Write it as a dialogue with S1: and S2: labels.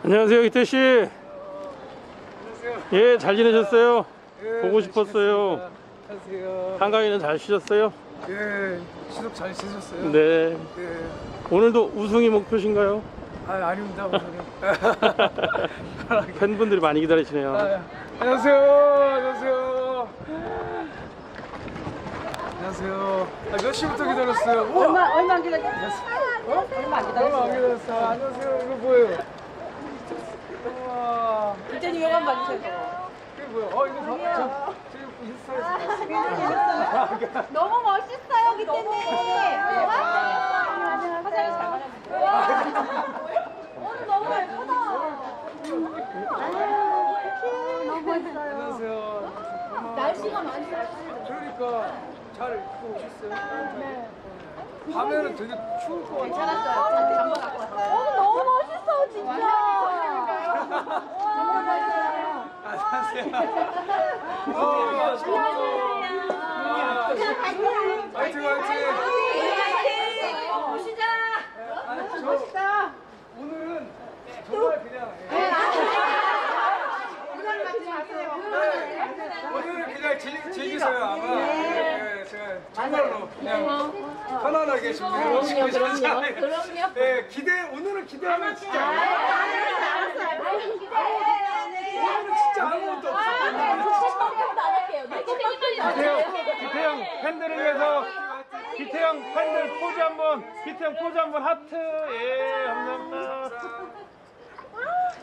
S1: 안녕하세요, 기태 씨.
S2: 안녕하세요.
S1: 예, 잘 지내셨어요?
S2: 예,
S1: 보고 싶었어요.
S2: 안녕하세요.
S1: 한가위는 잘 쉬셨어요?
S2: 예, 추석 잘 지내셨어요?
S1: 네.
S2: 예.
S1: 오늘도 우승이 목표신가요?
S2: 아닙니다, 오늘은.
S1: 팬분들이 많이 기다리시네요.
S2: 안녕하세요. 안녕하세요. 안녕하세요. 몇 시부터 기다렸어요? 우와!
S3: 얼마 안 기다렸어요? 얼마 안
S2: 얼마 안
S3: 기다렸어요?
S2: 기다렸어요. 안녕하세요. 이거 뭐예요? 우와.
S3: 이제는 이거만 봐주세요.
S2: 이게 뭐야? 이거 저 인스타에서 봤어요.
S4: 너무 멋있어요, 기태님.
S3: 화장이 잘 맞았어요.
S4: 오늘 너무 예쁘다. 너무 멋있어요.
S2: 안녕하세요.
S4: 날씨가 많이 좋았어요.
S2: 그러니까 잘 입고 오셨어요? 네. 밤에는 되게 추울 것 같아요.
S4: 괜찮았어요. 잠바 갖고 왔어요. 오늘 너무 멋있어, 진짜. 너무 멋있어요.
S2: 안녕하세요. 화이팅 화이팅.
S4: 보시자.
S2: 멋있다. 오늘은 정말 그냥 오늘은 그냥 즐기세요 아마. 예, 제가 정말로 그냥 편안하게 준비해 주셨잖아요.
S4: 그럼요.
S2: 예, 오늘은 기대하면 진짜 오늘은 진짜 아무것도 없어.
S1: 기태형 팬들을 위해서 기태형 팬들 포즈 한번, 기태형 포즈 한번 하트. 예, 감사합니다.